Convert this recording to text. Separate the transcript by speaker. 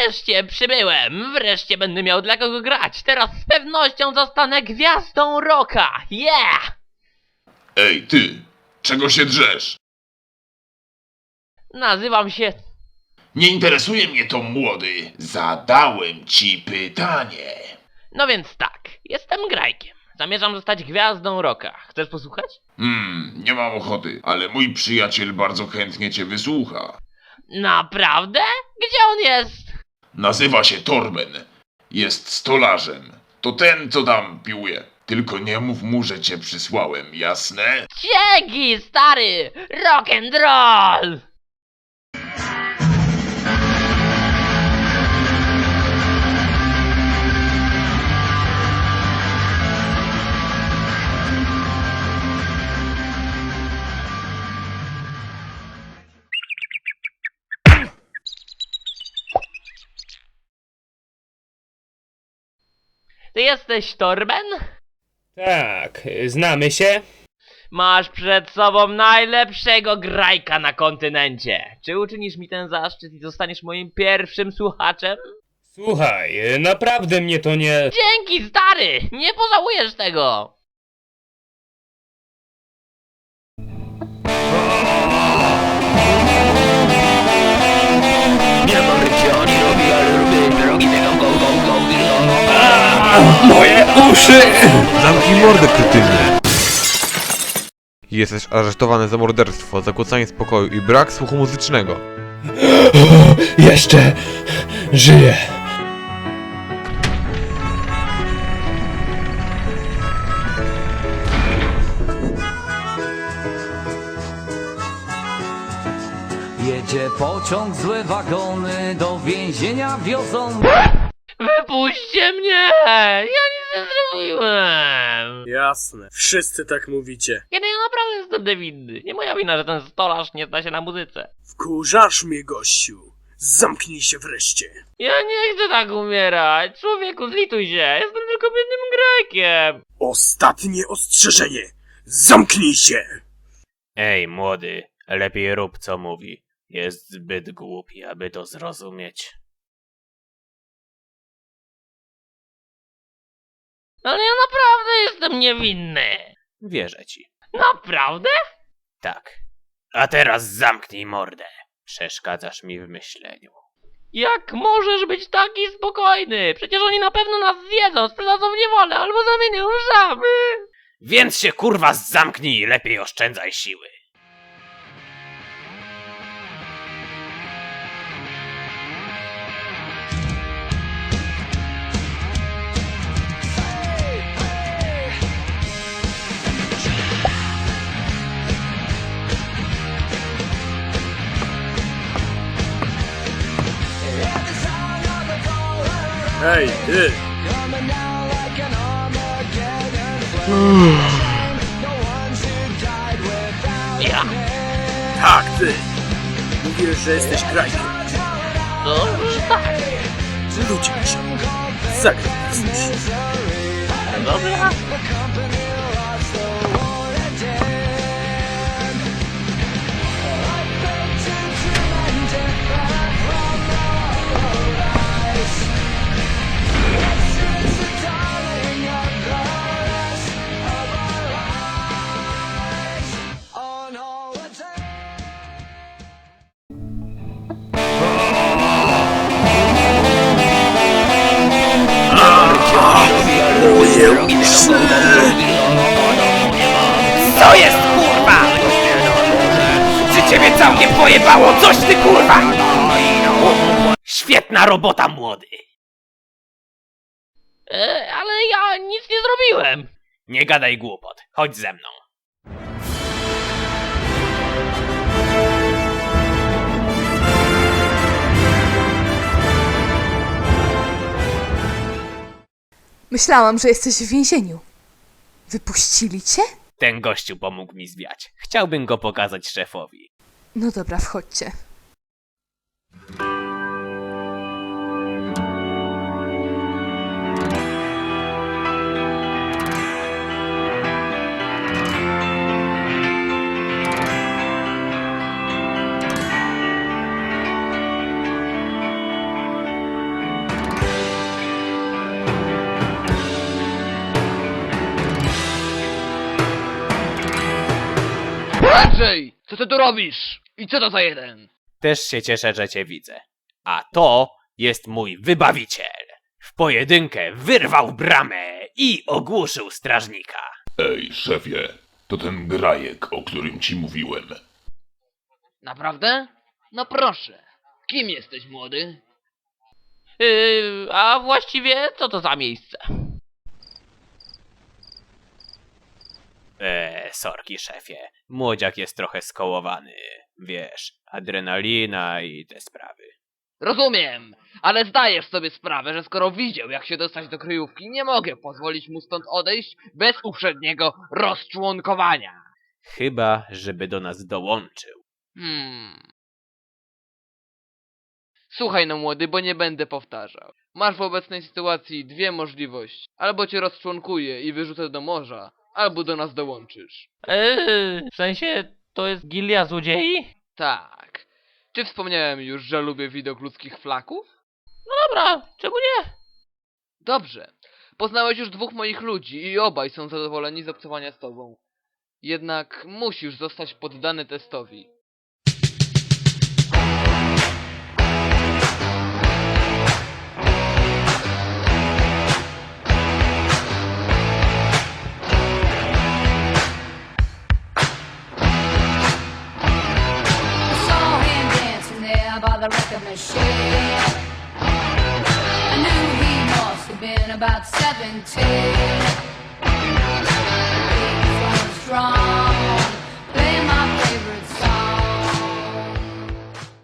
Speaker 1: Wreszcie przybyłem! Wreszcie będę miał dla kogo grać! Teraz z pewnością zostanę gwiazdą rocka! Yeah!
Speaker 2: Ej, ty! Czego się drzesz?
Speaker 1: Nazywam się...
Speaker 2: Nie interesuje mnie to, młody. Zadałem ci pytanie.
Speaker 1: No więc tak, jestem grajkiem. Zamierzam zostać gwiazdą rocka. Chcesz posłuchać?
Speaker 2: Nie mam ochoty, ale mój przyjaciel bardzo chętnie cię wysłucha.
Speaker 1: Naprawdę? Gdzie on jest?
Speaker 2: Nazywa się Torben. Jest stolarzem. To ten, co tam piłuje. Tylko nie mów mu, że cię przysłałem, jasne?
Speaker 1: Dzięki, stary! Rock and roll! Ty jesteś Torben?
Speaker 3: Tak, znamy się?
Speaker 1: Masz przed sobą najlepszego grajka na kontynencie. Czy uczynisz mi ten zaszczyt i zostaniesz moim pierwszym słuchaczem?
Speaker 3: Słuchaj, naprawdę mnie to nie...
Speaker 1: Dzięki, stary! Nie pożałujesz tego!
Speaker 3: Moje uszy!
Speaker 4: Zamknij mordę, kretynie! Jesteś aresztowany za morderstwo, zakłócanie spokoju i brak słuchu muzycznego.
Speaker 3: Jeszcze żyję.
Speaker 5: Jedzie pociąg, złe wagony do więzienia wiozą.
Speaker 1: Wypuśćcie mnie! Ja nic nie zrobiłem!
Speaker 6: Jasne, wszyscy tak mówicie.
Speaker 1: Kiedy ja naprawdę jestem niewinny. Nie moja wina, że ten stolarz nie zna się na muzyce.
Speaker 6: Wkurzasz mnie, gościu. Zamknij się wreszcie.
Speaker 1: Ja nie chcę tak umierać. Człowieku, zlituj się. Jestem tylko biednym grajkiem.
Speaker 6: Ostatnie ostrzeżenie. Zamknij się!
Speaker 7: Ej, młody, lepiej rób co mówi. Jest zbyt głupi, aby to zrozumieć.
Speaker 1: Ale ja naprawdę jestem niewinny.
Speaker 7: Wierzę ci.
Speaker 1: Naprawdę?
Speaker 7: Tak. A teraz zamknij mordę. Przeszkadzasz mi w myśleniu.
Speaker 1: Jak możesz być taki spokojny? Przecież oni na pewno nas zjedzą, sprzedadzą w niewolę albo zamienią w żaby.
Speaker 7: Więc się kurwa zamknij i lepiej oszczędzaj siły.
Speaker 6: Hej, ty!
Speaker 1: Ja?
Speaker 6: Tak, ty! Mówisz, że jesteś grajkiem.
Speaker 1: No, tak.
Speaker 6: Ludzie ci. Zagraj nas coś.
Speaker 1: Dobra.
Speaker 7: Co jest kurwa? Czy ciebie całkiem pojebało? Coś ty kurwa! Świetna robota, młody!
Speaker 1: Ale ja nic nie zrobiłem.
Speaker 7: Nie gadaj głupot. Chodź ze mną.
Speaker 8: Myślałam, że jesteś w więzieniu. Wypuścili cię?
Speaker 7: Ten gościu pomógł mi zwiać. Chciałbym go pokazać szefowi.
Speaker 8: No dobra, wchodźcie.
Speaker 6: Co ty tu robisz? I co to za jeden?
Speaker 7: Też się cieszę, że cię widzę. A to jest mój wybawiciel. W pojedynkę wyrwał bramę i ogłuszył strażnika.
Speaker 2: Ej, szefie, to ten grajek, o którym ci mówiłem.
Speaker 6: Naprawdę? No proszę. Kim jesteś, młody?
Speaker 1: A właściwie co to za miejsce?
Speaker 7: Sorki szefie. Młodziak jest trochę skołowany. Wiesz, adrenalina i te sprawy.
Speaker 6: Rozumiem, ale zdajesz sobie sprawę, że skoro widział, jak się dostać do kryjówki, nie mogę pozwolić mu stąd odejść bez uprzedniego rozczłonkowania.
Speaker 7: Chyba, żeby do nas dołączył.
Speaker 6: Słuchaj no młody, bo nie będę powtarzał. Masz w obecnej sytuacji dwie możliwości. Albo cię rozczłonkuję i wyrzucę do morza, albo do nas dołączysz.
Speaker 1: W sensie, to jest gilia złodziei?
Speaker 6: Tak. Czy wspomniałem już, że lubię widok ludzkich flaków?
Speaker 1: No dobra, czemu nie?
Speaker 6: Dobrze. Poznałeś już dwóch moich ludzi i obaj są zadowoleni z obcowania z tobą. Jednak musisz zostać poddany testowi.
Speaker 9: Saw him dancing there by the record machine. I knew he must have been about 17.